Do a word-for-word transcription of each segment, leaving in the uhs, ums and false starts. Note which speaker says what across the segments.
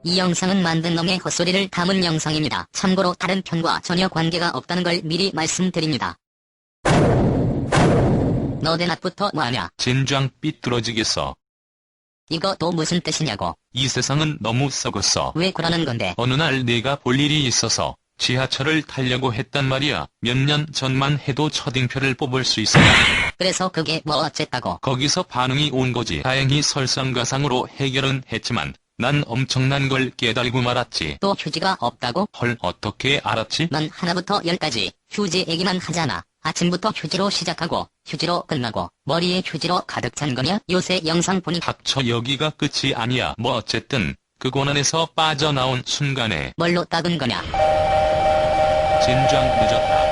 Speaker 1: 이 영상은 만든 놈의 헛소리를 담은 영상입니다. 참고로 다른 편과 전혀 관계가 없다는 걸 미리 말씀드립니다. 너 대낮부터 뭐하냐?
Speaker 2: 젠장 삐뚤어지겠어.
Speaker 1: 이거 또 무슨 뜻이냐고?
Speaker 2: 이 세상은 너무 썩었어.
Speaker 1: 왜 그러는 건데?
Speaker 2: 어느 날 내가 볼 일이 있어서 지하철을 타려고 했단 말이야. 몇 년 전만 해도 첫인표를 뽑을 수 있었다.
Speaker 1: 그래서 그게 뭐 어쨌다고?
Speaker 2: 거기서 반응이 온 거지. 다행히 설상가상으로 해결은 했지만 난 엄청난 걸 깨달고 말았지.
Speaker 1: 또 휴지가 없다고?
Speaker 2: 헐, 어떻게 알았지?
Speaker 1: 넌 하나부터 열까지 휴지 얘기만 하잖아. 아침부터 휴지로 시작하고 휴지로 끝나고 머리에 휴지로 가득 찬 거냐? 요새 영상 보니
Speaker 2: 닥쳐, 여기가 끝이 아니야. 뭐 어쨌든 그 고난에서 빠져나온 순간에
Speaker 1: 뭘로 닦은 거냐?
Speaker 2: 젠장 늦었다.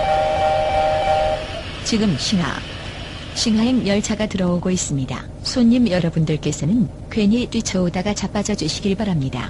Speaker 3: 지금 신화, 신화행 열차가 들어오고 있습니다. 손님 여러분들께서는 괜히 뛰쳐오다가 자빠져 주시길 바랍니다.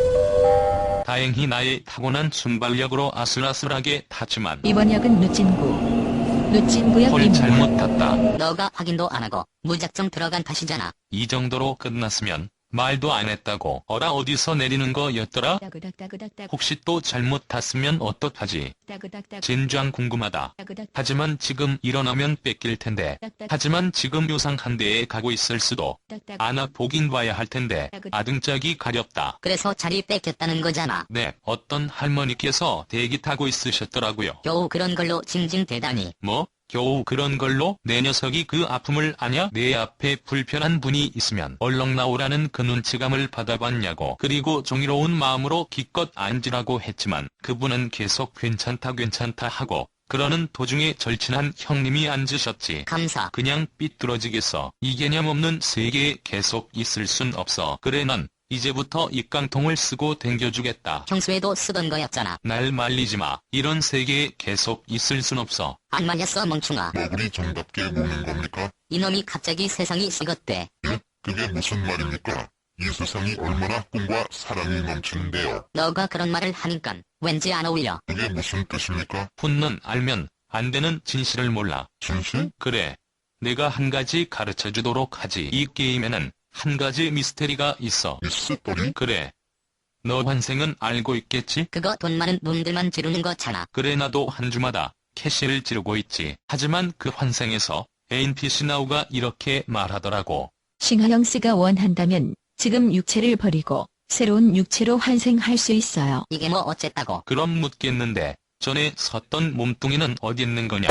Speaker 2: 다행히 나의 타고난 순발력으로 아슬아슬하게 탔지만
Speaker 3: 이번 역은 누진구, 누진구역
Speaker 2: 헐,
Speaker 3: 입니다.
Speaker 2: 잘못 탔다.
Speaker 1: 너가 확인도 안 하고 무작정 들어간 탓이잖아.
Speaker 2: 이 정도로 끝났으면 말도 안 했다고. 어라, 어디서 내리는 거였더라?
Speaker 3: 따그닥따그닥따-
Speaker 2: 혹시 또 잘못 탔으면 어떡하지?
Speaker 3: 따그닥따-
Speaker 2: 젠장 궁금하다.
Speaker 3: 따그닥-
Speaker 2: 하지만 지금 일어나면 뺏길 텐데.
Speaker 3: 따그닥-
Speaker 2: 하지만 지금 요상한 데에 가고 있을 수도.
Speaker 3: 따그닥-
Speaker 2: 아나 보긴 봐야 할 텐데. 아등짝이 가렵다.
Speaker 1: 그래서 자리 뺏겼다는 거잖아.
Speaker 2: 네, 어떤 할머니께서 대기 타고 있으셨더라고요.
Speaker 1: 겨우 그런 걸로 징징대다니.
Speaker 2: 뭐? 겨우 그런 걸로? 내 녀석이 그 아픔을 아냐? 내 앞에 불편한 분이 있으면 얼렁 나오라는 그 눈치감을 받아봤냐고. 그리고 종이로운 마음으로 기껏 앉으라고 했지만 그분은 계속 괜찮다 괜찮다 하고 그러는 도중에 절친한 형님이 앉으셨지.
Speaker 1: 감사.
Speaker 2: 그냥 삐뚤어지겠어. 이 개념 없는 세계에 계속 있을 순 없어. 그래, 난 이제부터 이 깡통을 쓰고 댕겨주겠다.
Speaker 1: 평소에도 쓰던 거였잖아.
Speaker 2: 날 말리지 마. 이런 세계에 계속 있을 순 없어.
Speaker 1: 안 말렸어 멍충아.
Speaker 4: 너구리 정답게 묻는 겁니까?
Speaker 1: 이놈이 갑자기 세상이 식었대.
Speaker 4: 예? 그게 무슨 말입니까? 이 세상이 얼마나 꿈과 사랑이 넘치는데요.
Speaker 1: 너가 그런 말을 하니깐 왠지 안 어울려.
Speaker 4: 그게 무슨 뜻입니까?
Speaker 2: 훈는 알면 안 되는 진실을 몰라.
Speaker 4: 진실?
Speaker 2: 그래. 내가 한 가지 가르쳐주도록 하지. 이 게임에는 한 가지 미스테리가 있어.
Speaker 4: 미스터리?
Speaker 2: 그래. 너 환생은 알고 있겠지?
Speaker 1: 그거 돈 많은 놈들만 지르는 거잖아.
Speaker 2: 그래, 나도 한 주마다 캐시를 지르고 있지. 하지만 그 환생에서 엔피씨 나우가 이렇게 말하더라고.
Speaker 3: 신화영스가 원한다면 지금 육체를 버리고 새로운 육체로 환생할 수 있어요.
Speaker 1: 이게 뭐 어쨌다고.
Speaker 2: 그럼 묻겠는데 전에 섰던 몸뚱이는 어디 있는 거냐?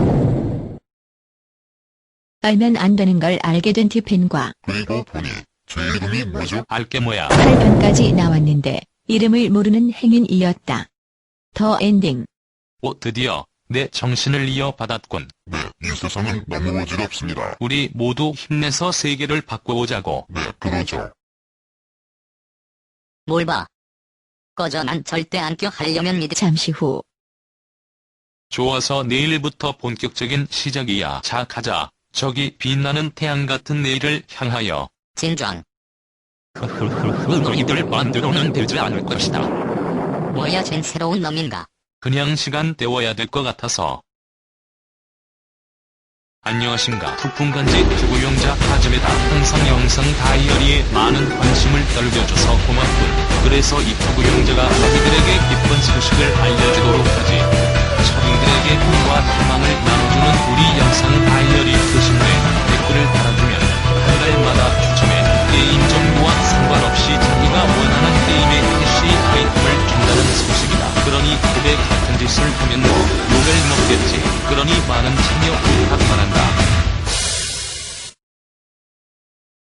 Speaker 3: 알면 안 되는 걸 알게 된 티펜과
Speaker 4: 그리고 보니 제 이름이 뭐죠?
Speaker 2: 알게 뭐야.
Speaker 3: 팔 편까지 나왔는데 이름을 모르는 행인이었다. 더 엔딩.
Speaker 2: 오, 드디어 내 정신을 이어받았군.
Speaker 4: 네, 이 세상은 너무 어지럽습니다.
Speaker 2: 우리 모두 힘내서 세계를 바꿔보자고.
Speaker 4: 네, 그러죠.
Speaker 1: 뭘 봐. 꺼져. 난 절대 안 껴. 하려면 믿.
Speaker 3: 잠시 후
Speaker 2: 좋아서 내일부터 본격적인 시작이야. 자, 가자. 저기 빛나는 태양 같은 내일을 향하여.
Speaker 1: 진정.
Speaker 2: 너희들 만들어는 되지 않을 것이다.
Speaker 1: 뭐야 쟨 새로운 놈인가.
Speaker 2: 그냥 시간 때워야 될 것 같아서. 안녕하신가. 부푼간지 투구용자 하즈메다. 항상 영상 다이어리에 많은 관심을 떨겨줘서 고맙군. 그래서 이 투구용자가 너희들에게 기쁜 소식을 알려주도록 하지. 서민들에게 꿈과 희망을 나눠주는 우리 영상 다이어리 교신 후에 댓글을 달아주면 한 달마다 추첨해 게임 정보와 상관없이 자기가 원하는 게임의 캐시 아이템을 준다는 소식이다. 그러니 그대 같은 짓을 하면 뭐 욕을 먹겠지. 그러니 많은 참여 부탁드립니다.